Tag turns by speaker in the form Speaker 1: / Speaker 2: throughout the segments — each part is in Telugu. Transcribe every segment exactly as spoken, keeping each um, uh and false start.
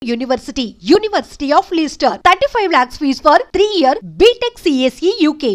Speaker 1: University, University of Leicester, thirty-five lakhs fees for three year B Tech C S E U K.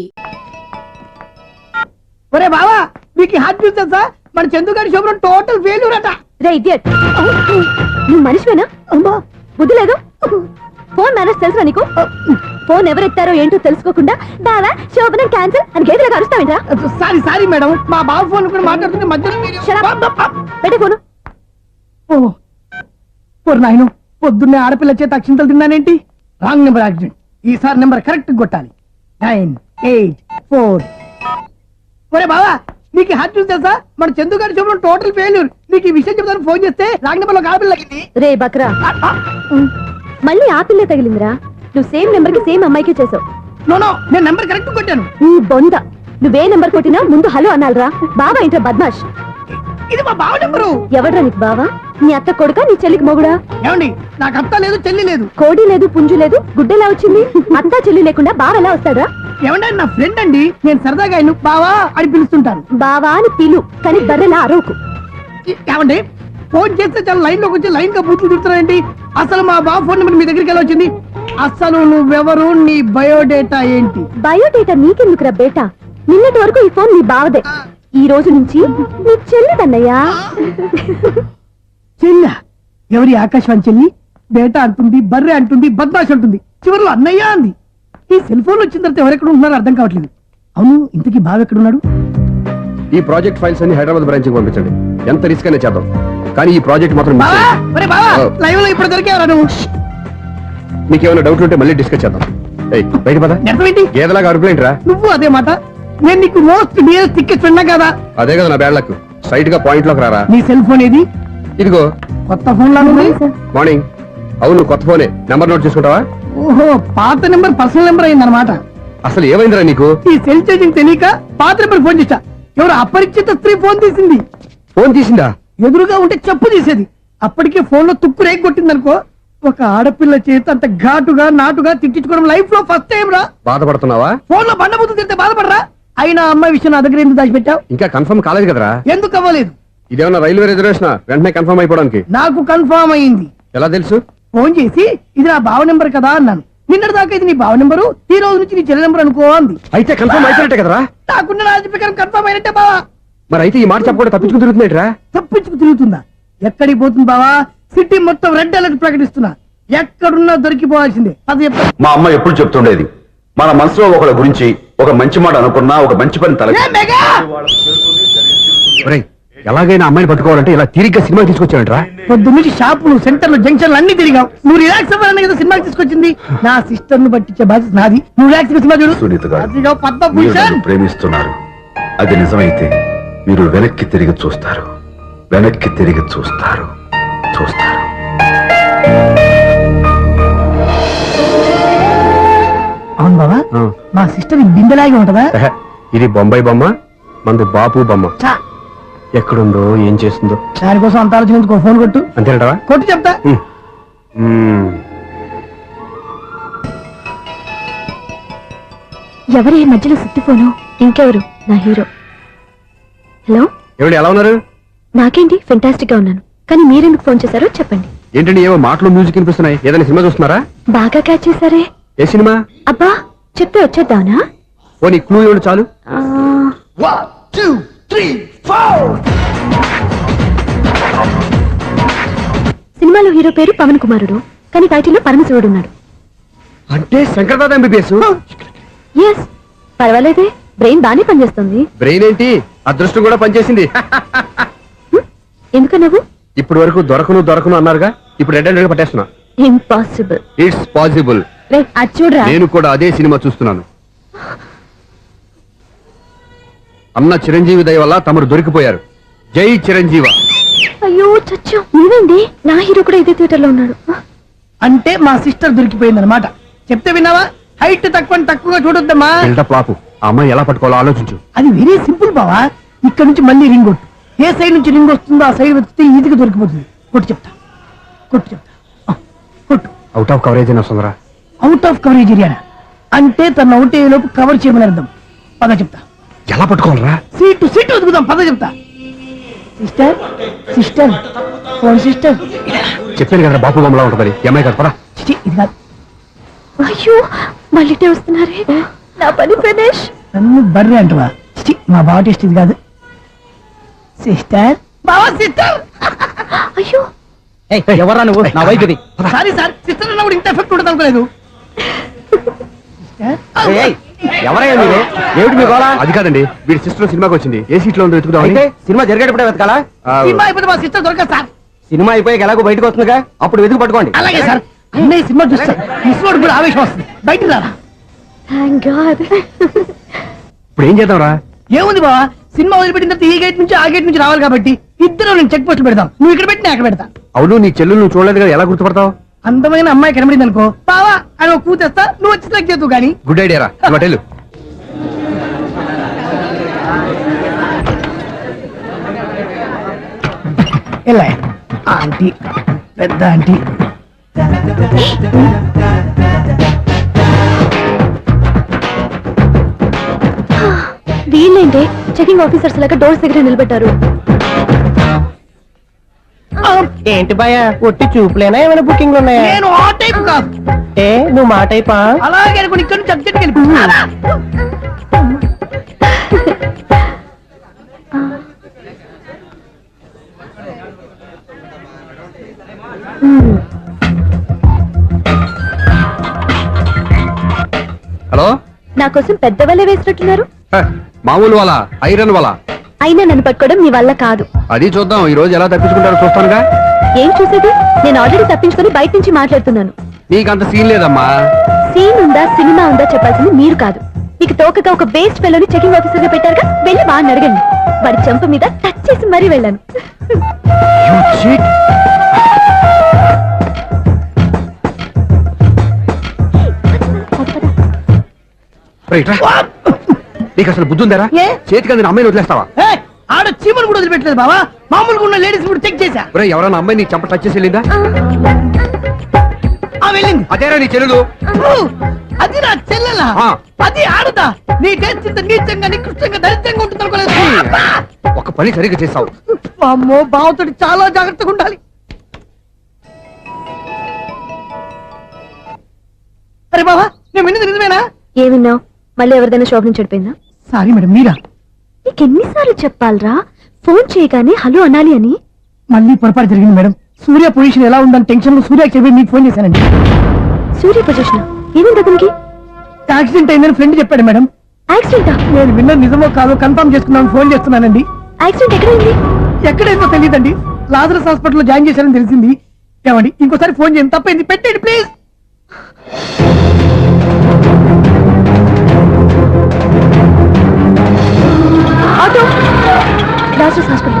Speaker 2: ఒరే బావా మీకు హాట్ న్యూస్ తెలుసా? మన చందుగారి శుభ్రం టోటల్ ఫెయిల్యూర్ అట.
Speaker 3: రే ఇడియట్, నువ్వు మనిషివేనా?
Speaker 2: అమ్మా
Speaker 3: బుద్ధి లేదు. ఫోన్ మేనేజ్ తెలుసా నీకు? ఫోన్ ఎవరెత్తారో ఏంటో తెలుసుకోకుండా బావా శోభనం క్యాన్సిల్ అని గేదెలకు అరుస్తావేంట్రా?
Speaker 2: సారీ సారీ మేడం, మా బావ ఫోన్ కూడా మాట్లాడుతుంటే మధ్యలో మీరు-
Speaker 3: Shut up. పెట్టే ఫోను.
Speaker 2: ఓ ఓ నాయను, పొద్దున్నే ఆడపిల్ల చేత అక్షింతలు తిన్నానేంటి? Wrong number accident. ఈసారి నెంబర్ కరెక్ట్ కొట్టాలి. Nine eight four. ఒరే బావా నీకు హాట్ న్యూస్ తెలుసా? మన చందుగారి శుభ్రం టోటల్ ఫెయిల్యూర్. నీకు ఈ విషయం చెప్తాను ఫోన్ చేస్తే రాంగ్ నెంబర్ లో ఆడపిల్ల తగ్గింది.
Speaker 3: రే బక్రా,
Speaker 2: ఆ, ఆ,
Speaker 3: మళ్ళీ ఆ పిల్లే తగిలిందిరా. నువ్వు సేమ్ నెంబర్ కి సేమ్ అమ్మాయికి చేసావు.
Speaker 2: నో నో, నేను నెంబర్ కరెక్ట్ కొట్టాను.
Speaker 3: నీ బొంద, నువ్వే నెంబర్ కొట్టినా ముందు హలో అనాలిరా. బావా ఏంట్రా బద్మాష్?
Speaker 2: ఇది మా బావ నెంబరు.
Speaker 3: ఎవడ్రా నీకు బావా? నీ అత్త కొడుకా, నీ చెల్లికి మొగుడా?
Speaker 2: ఏమండి, నాకు అత్త లేదు చెల్లి లేదు.
Speaker 3: కోడి లేదు, పుంజు లేదు, గుడ్డెలా వచ్చింది? అత్త చెల్లి లేకుండా బావ ఎలా వస్తాడా?
Speaker 2: ఏమంటే నా ఫ్రెండ్ అండి, నేను సరదాగా ఆయన బావా అని పిలుస్తుంటాను.
Speaker 3: బావా అని పిలు, కానీ బర్రెలా అరవకు.
Speaker 2: ఏమండి, ఫోన్ చేస్తే చాలా లైన్ లోకి వచ్చి లైన్ గా బూతులు తిడుతున్నాయండి. అసలు మా బావ ఫోన్ నెంబర్ మీ దగ్గరికి ఎలా వచ్చింది? అసలు నువ్వెవరు, నీ బయోడేటా ఏంటి?
Speaker 3: బయోడేటా నీకెందుకురా బేటా? నిన్నటి వరకు ఈ ఫోన్ నీ బావదే, ఈ రోజు నుంచి నీ చెల్లిదన్నయ్యా.
Speaker 2: చెల్ల ఎవరి? ఆకాశవాణి చెల్లి. బేటా అంటుంది, బర్రె అంటుంది, బద్మాష్ అంటుంది, చివరిలో అన్నయ్య అంది. ఈ సెల్ ఫోన్ వచ్చిన తర్వాత ఎవరెక్కడ ఉంటున్నారో అర్థం కావట్లేదు. అవును, ఇంతకీ బావ ఎక్కడున్నాడు?
Speaker 4: ఈ ప్రాజెక్ట్ ఫైల్స్ అన్ని హైదరాబాద్ బ్రాంచ్ కి పంపించండి. ఎంత రిస్క్ అయినా చేద్దాం, కానీ ఈ ప్రాజెక్ట్ మాత్రం మిస్
Speaker 2: బావా,
Speaker 4: చేయొద్దు.
Speaker 2: ఒరే బావా,
Speaker 4: ఓ.
Speaker 2: లైవ్ లో ఇప్పుడు దొరికేవరా నువ్వు?
Speaker 4: మీకు ఏమైనా డౌట్ ఉంటే మళ్ళీ డిస్కస్ చేద్దాం. ఏయ్, బయట పద.
Speaker 2: నెరవేంటి?
Speaker 4: గేదలాగా అరుపులేంట్రా?
Speaker 2: నువ్వు అదే మాట. నేను నీకు మోస్ట్ డియర్ టికెట్స్ విన్నా కదా.
Speaker 4: అదే కదా నా బ్యాడ్ లక్. స్ట్రైట్ గా పాయింట్ లోకి రారా.
Speaker 2: నీ సెల్ ఫోన్ ఏది?
Speaker 4: ఇదిగో.
Speaker 2: కొత్త ఫోన్ లా ఉంది.
Speaker 4: మార్నింగ్. అవును, కొత్త ఫోనే. నెంబర్ నోట్ చేసుకుంటావా?
Speaker 2: ఓహో, పాత నెంబర్ పర్సనల్ నెంబర్ అయిందన్నమాట.
Speaker 4: అసలు ఏమైందిరా నీకు?
Speaker 2: ఈ సెల్ ఛార్జింగ్ తెలియక పాత నెంబర్ ఫోన్ చేశా. ఎవరు అపరిచిత స్త్రీ ఫోన్ తీసింది.
Speaker 4: ఫోన్ తీసిందా?
Speaker 2: ఎదురుగా ఉంటే చెప్పు తీసేది. అప్పటికే ఫోన్ లో తుక్కు రేగి కొట్టిందనుకో. ఒక ఆడపిల్ల చేత అంత ఘాటుగా నాటుగా తిట్టించుకోవడం లైఫ్ లో ఫస్ట్ టైం రా.
Speaker 4: బాధపడుతున్నావా?
Speaker 2: ఫోన్ లో బండబుద్ధి తింటే బాధపడరా? అయినా అమ్మాయి విషయం నా దగ్గర ఎందుకు దాచిపెట్టావు?
Speaker 4: ఇంకా కన్ఫర్మ్ కాలేదు కదరా.
Speaker 2: ఎందుకు అవ్వలేదు?
Speaker 4: ఇదేమన్నా రైల్వే రిజర్వేషన్? వెంటనే కన్ఫర్మ్ అయిపోవడానికి.
Speaker 2: నాకు కన్ఫర్మ్ అయింది.
Speaker 4: ఎలా తెలుసు?
Speaker 2: ఫోన్ చేసి ఇది నా బావ నెంబర్ కదా అన్నాను. నిన్నటి దాకా ఇది నీ బావ నెంబరు, ఈ రోజు నుంచి నీ చెల్లి నెంబర్ అనుకో అంది.
Speaker 4: అయితే కన్ఫర్మ్ అయిపోయినట్టే కదరా.
Speaker 2: నాకున్న రాజు ప్రకారం కన్ఫర్మ్ అయినట్టే బావా.
Speaker 4: మరి అయితే ఈ మాట చెప్పకుండా తప్పించుకుని తిరుగుతున్నట్రా?
Speaker 2: తప్పించుకు తిరుగుతుందా? ఎక్కడికి పోతుంది బావా? సిటీ మొత్తం రెడ్ అలర్ట్ ప్రకటిస్తున్నా. ఎక్కడున్నా దొరికిపోవాల్సిందే. అది చెప్తా.
Speaker 5: మా అమ్మ ఎప్పుడు చెప్తుండేది, మన మనసులో ఒకళ్ళ గురించి ఒక మంచి మాట అనుకున్నా ఒక మంచి పని తల
Speaker 2: ఏ మెగా!
Speaker 4: ఒరేయ్, ఎలాగైనా అమ్మాయిని పట్టుకోవాలంటే ఇలా తిరిగ్గా సినిమా తీసుకొచ్చావంట్రా?
Speaker 2: పొద్దు నుంచి షాపులు, సెంటర్లు, జంక్షన్లు అన్ని తిరిగావు. నువ్వు రిలాక్స్ అవ్వాలని కదా సినిమాకి తీసుకొచ్చింది. నా సిస్టర్ ను పట్టించే బాధ్యత నాది. నువ్వు రిలాక్స్ గా సినిమా చూడు.
Speaker 5: సునీత గారు,
Speaker 2: అదిగో
Speaker 5: మీరు
Speaker 2: పద్మభూషణ్.
Speaker 5: నన్ను ప్రేమిస్తున్నారు. అది నిజమైతే మీరు వెనక్కి తిరిగి చూస్తారు, వెనక్కి తిరిగి చూస్తారు, చూస్తారు.
Speaker 2: అవును బాబా,
Speaker 4: ఆ.
Speaker 2: మా సిస్టర్ బిందెలాగే ఉంటదా?
Speaker 4: ఎహె, ఇది బొంబాయి బొమ్మ, మంది బాపు బొమ్మ.
Speaker 2: చా,
Speaker 4: ఎక్కడుందో ఏం చేస్తుందో.
Speaker 2: దానికోసం అంత ఆలోచించుకో. ఫోన్ కొట్టు.
Speaker 4: అంతేనంటావా?
Speaker 2: కొట్టు చెప్తా.
Speaker 4: ఉమ్. ఉమ్.
Speaker 3: ఎవరు ఈ మధ్యలో సుత్తి ఫోను? ఇంకెవరు? నా హీరో. హలో,
Speaker 4: ఏమండి, ఎలా ఉన్నారు?
Speaker 3: నాకేంటి ఫెంటాస్టిక్ గా ఉన్నాను, కానీ మీరెందుకు ఫోన్ చేశారో చెప్పండి.
Speaker 4: ఏంటండి ఏవో మాటలు మ్యూజిక్ వినిపిస్తున్నాయి? ఏదైనా సినిమా చూస్తున్నారా?
Speaker 3: బాగా క్యాచ్ చేశారే.
Speaker 4: ఏ సినిమా?
Speaker 3: అబ్బా, చెప్తే వచ్చేద్దానా?
Speaker 4: ఓ నీ క్లూ ఇవ్వండి చాలు.
Speaker 3: ఆ,
Speaker 2: One, two, three, four.
Speaker 3: సినిమాలో హీరో పేరు పవన్ కుమారుడు, కానీ టైటిల్లో పరమశివుడు ఉన్నాడు.
Speaker 4: అంటే శంకర్దాద ఎంబీబీఎస్.
Speaker 3: ఎస్, పర్వాలేదే, బ్రెయిన్ బానే పనిచేస్తుంది.
Speaker 4: బ్రెయిన్ ఏంటి, అదృష్టం కూడా పనిచేసింది.
Speaker 3: ఎందుకు నువ్వు?
Speaker 4: ఇప్పటి వరకు దొరకను దొరకను అన్నారుగా, ఇప్పుడు రెడ్ అండ్ పట్టేస్తున్నా.
Speaker 3: ఇంపాసిబుల్.
Speaker 4: It's possible.
Speaker 3: రే, అది చూడరా.
Speaker 4: నేను కూడా అదే సినిమా చూస్తున్నాను. అన్న చిరంజీవి దయ వల్ల తమరు దొరికిపోయారు. జై చిరంజీవ.
Speaker 3: అయ్యో చచ్చు, నీవేంటి? నా హీరో కూడా ఇదే థియేటర్ లో ఉన్నాడు.
Speaker 2: అంటే మా సిస్టర్ దొరికిపోయింది అనమాట. చెప్తే విన్నావా? హైట్ తక్కువ తక్కువగా చూడొద్దమ్మా.
Speaker 4: బిల్డప్ లాపు. ఆ అమ్మాయి ఎలా పట్టుకోవాలో ఆలోచించు.
Speaker 2: అది వెరీ సింపుల్ బావా. ఇక్కడ నుంచి మళ్ళీ రింగ్ కొట్టు. ఏ సైడ్ నుంచి రింగ్ వస్తుందో ఆ సైడ్ వస్తే ఈజీగా దొరికిపోతుంది. కొట్టు చెప్తా, కొట్టు చెప్తా. ఆ, కొట్టు.
Speaker 4: అవుట్ ఆఫ్ కవరేజ్ అయినా వస్తుందిరా.
Speaker 2: అవుట్ ఆఫ్ కవరేజ్ ఏరియా అంటే తన అవుట్ అయ్యే లోపు కవర్ చేయమని అర్థం. పద చెప్తా.
Speaker 4: ఎలా పట్టుకోవాలరా?
Speaker 2: Seat seat వదుకుదాం. పద చెప్తా. సిస్టర్ సిస్టర్ ఫోన్ సిస్టర్
Speaker 4: చెప్పాను కదా బాపు బొమ్మలా ఉంటుంది ఈ అమ్మాయి కదా పరా.
Speaker 2: చిచి, ఇది కాదు.
Speaker 3: అయ్యో మళ్ళీ ఇటే వస్తున్నారే నా పని ఫినిష్.
Speaker 2: నన్ను బర్రె అంటవా? చిచి, మా బావ టేస్ట్ ఇది కాదు. సిస్టర్, బావా సిస్టర్.
Speaker 3: అయ్యో
Speaker 2: ఎవరా నువ్వు? నా వైఫ్ ఇది. సారీ సార్, సిస్టర్ అన్నప్పుడు ఇంత ఎఫెక్ట్ ఉంటుంది అనుకోలేదు.
Speaker 6: ఎవరయ్యా మీరు? ఏమిటి మీ గోళ?
Speaker 4: అది కాదండి, వీడి సిస్టర్ సినిమాకి వచ్చింది. ఏ సీట్ లో ఉందో వెతుకుదామని.
Speaker 6: అయితే సినిమా జరిగేటప్పుడే వెతకాలా?
Speaker 4: ఆ,
Speaker 2: సినిమా అయిపోతే మా సిస్టర్ దొరకదు సార్.
Speaker 6: సినిమా అయిపోయాక ఎలాగో బయటకు వస్తుందిగా, అప్పుడు వెతుకు పట్టుకోండి.
Speaker 2: అలాగే సార్. అన్నయ్య సినిమా చూస్తారు, మిస్వాడు కూడా ఆవేశం వస్తుంది. బయట రారా.
Speaker 3: Thank god.
Speaker 4: ఇప్పుడు ఏం చేద్దాంరా?
Speaker 2: ఏముంది బావా, సినిమా వదిలిపెట్టిన తర్వాత ఈ గేట్ నుంచి ఆ గేట్ నుంచి రావాలి కాబట్టి ఇద్దరు నేను చెక్ పోస్ట్ పెడతాం. నువ్వు ఇక్కడ పెట్టి నేను అక్కడ పెడతా.
Speaker 4: అవును, నీ చెల్లెలు నువ్వు చూడలేదు కదా, ఎలా గుర్తుపడతావు?
Speaker 2: అందమైన అమ్మాయి కనబడింది అనుకో, బావా అని ఒక కూతేస్తా, నువ్వు వచ్చి సెలెక్ట్ చేద్దు కానీ.
Speaker 4: గుడ్ ఐడియా రా, హోటల్.
Speaker 2: ఎలా ఆంటీ, పెద్ద ఆంటీ.
Speaker 3: వీళ్ళేంటి చెకింగ్ ఆఫీసర్స్ లాగా డోర్స్ దగ్గర నిలబెట్టారు.
Speaker 6: ఏంటి భయ ఒట్టి చూపులేనా ఏమైనా బుకింగ్లు ఉన్నాయా?
Speaker 2: నేను ఆ టైప్ కాదు.
Speaker 6: ఏ నువ్వు మా టైపా?
Speaker 2: అలాగే అనుకుని ఇక్కడ నుంచి అర్జెంట్కి వెళ్ళిపో.
Speaker 4: హలో,
Speaker 3: నా కోసం పెద్ద వలే వేసినట్టున్నారు.
Speaker 4: హ, మామూలు వాళ్ళ ఐరన్ వాళ్ళ.
Speaker 3: అయినా నన్ను పట్టుకోవడం మీ వల్ల కాదు.
Speaker 4: అది చూద్దాం, ఈ రోజు ఎలా తప్పించుకుంటారో చూస్తానుగా.
Speaker 3: ఏం చూసేది? నేను ఆల్రెడీ తప్పించుకొని బయట నుంచి మాట్లాడుతున్నాను.
Speaker 4: నీకు అంత సీన్ లేదమ్మా.
Speaker 3: సీన్ ఉందా సినిమా ఉందా చెప్పాల్సింది మీరు కాదు. మీకు తోకగా ఒక బేస్ట్ ఫెలోని చెకింగ్ ఆఫీసర్ గా పెట్టారుగా, వెళ్ళి వాడిని అడగండి. వాడి చెంప మీద టచ్ చేసి మరీ వెళ్ళాను.
Speaker 4: You cheat. రైట్ రా. నీకు అసలు బుద్ధి ఉందారా?
Speaker 2: ఏ?
Speaker 4: చేతికి అందిన అమ్మాయిని వదిలేస్తావా?
Speaker 2: ఏయ్, ఆడ చీమలు కూడా వదిలిపెట్టలేదు బావా. మామూలుగా ఉన్న లేడీస్ కూడా చెక్ చేశా.
Speaker 4: ఒరే, ఎవరైనా అమ్మాయి నీ చెంప టచ్ చేసి వెళ్ళిందా?
Speaker 2: ఆ వెళ్ళింది.
Speaker 4: అదేరా నీ చెల్లెలు.
Speaker 2: ఓ, అది నా చెల్లెలా?
Speaker 4: ఆ.
Speaker 2: అది ఆడదా? నీ టేస్ట్ ఇంత నీచంగా నికృష్టంగా దరిద్రంగా ఉంటుంది అనుకోలేదు.
Speaker 4: ఒక పని సరిగ్గా చేస్తావు.
Speaker 2: అమ్మో, బావతోటి చాలా జాగ్రత్తగా ఉండాలి. అరే బావా, నేను విన్నది నిజమేనా?
Speaker 3: ఏమిన్నావు? మళ్ళీ ఎవరిదైనా షాప్ నుంచి చెడిపోయిందా?
Speaker 2: సారీ మేడం, మీరా?
Speaker 3: నీకు ఎన్నిసార్లు చెప్పాలరా ఫోన్ చేయగానే హలో అనాలి అని?
Speaker 2: మళ్ళీ పొరపాటు జరిగింది మేడం. సూర్య పొజిషన్ ఎలా ఉందని టెన్షన్ లో సూర్య చెప్పి మీకు ఫోన్ చేశానండి.
Speaker 3: సూర్య పొజిషన్ ఏమైంది అతనికి?
Speaker 2: యాక్సిడెంట్ అయిందని ఫ్రెండ్ చెప్పాడు మేడం.
Speaker 3: యాక్సిడెంటా?
Speaker 2: నేను విన్నది నిజమో కాదో కన్ఫర్మ్ చేసుకున్నాను, ఫోన్ చేస్తున్నానండి.
Speaker 3: యాక్సిడెంట్ ఎక్కడైంది?
Speaker 2: ఎక్కడైందో తెలియదండి. లాజరస్ హాస్పిటల్లో జాయిన్ చేశారని తెలిసింది. ఏమండి, ఇంకోసారి ఫోన్ చేయండి, తప్పైంది, పెట్టండి please.
Speaker 3: Auto Lazarus hospital.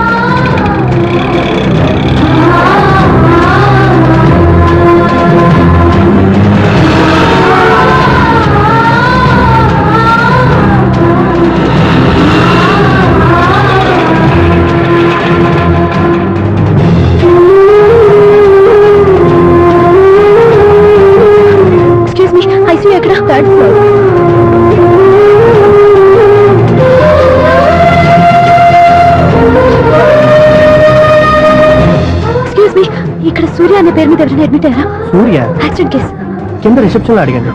Speaker 3: Excuse me, ICU ఎక్కడ? Third floor. ఎక్స్క్యూజ్ మీ, ఇక్కడ సూర్య అనే పేరు మీద ఎవరైనా అడ్మిట్ అయ్యారా?
Speaker 6: Surya
Speaker 3: accident case.
Speaker 6: కింద రిసెప్షన్ లో అడిగండి.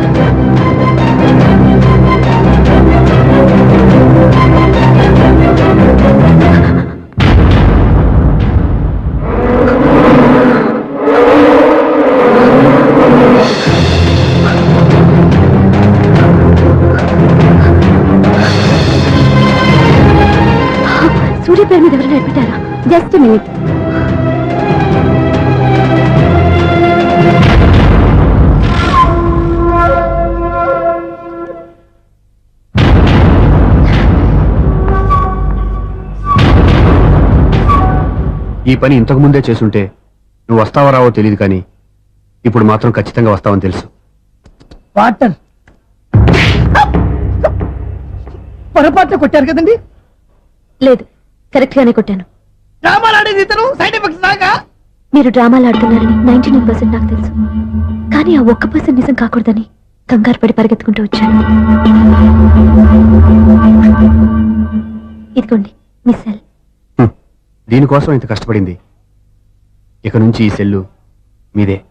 Speaker 3: సూర్య పేరు మీద ఎవరైనా అడ్మిట్ అయ్యారా? Just minute.
Speaker 4: ఈ పని ఇంతకు ముందే చేసుంటే నువ్వు వస్తావో రావో తెలియదు, కానీ ఇప్పుడు మాత్రం ఖచ్చితంగా వస్తావని తెలుసు.
Speaker 2: వాటర్ పొరపాట్లు కొట్టారు కదండి.
Speaker 3: లేదు, కరెక్ట్ గానే కొట్టాను.
Speaker 2: డ్రామాలు ఆడేది ఇతను, సైడ్ ఎఫెక్ట్స్ దాకా.
Speaker 3: మీరు డ్రామాలు ఆడుతున్నారని నైన్టీ నైన్ పర్సెంట్ నాకు తెలుసు, కానీ ఆ ఒక్క పర్సెంట్ నిజం కాకూడదని కంగారు పడి పరిగెత్తుకుంటూ వచ్చాను. ఇదిగోండి మీ సెల్.
Speaker 4: హ్మ్. దీనికోసం ఇంత కష్టపడింది ఇక నుంచి ఈ సెల్లు మీదే.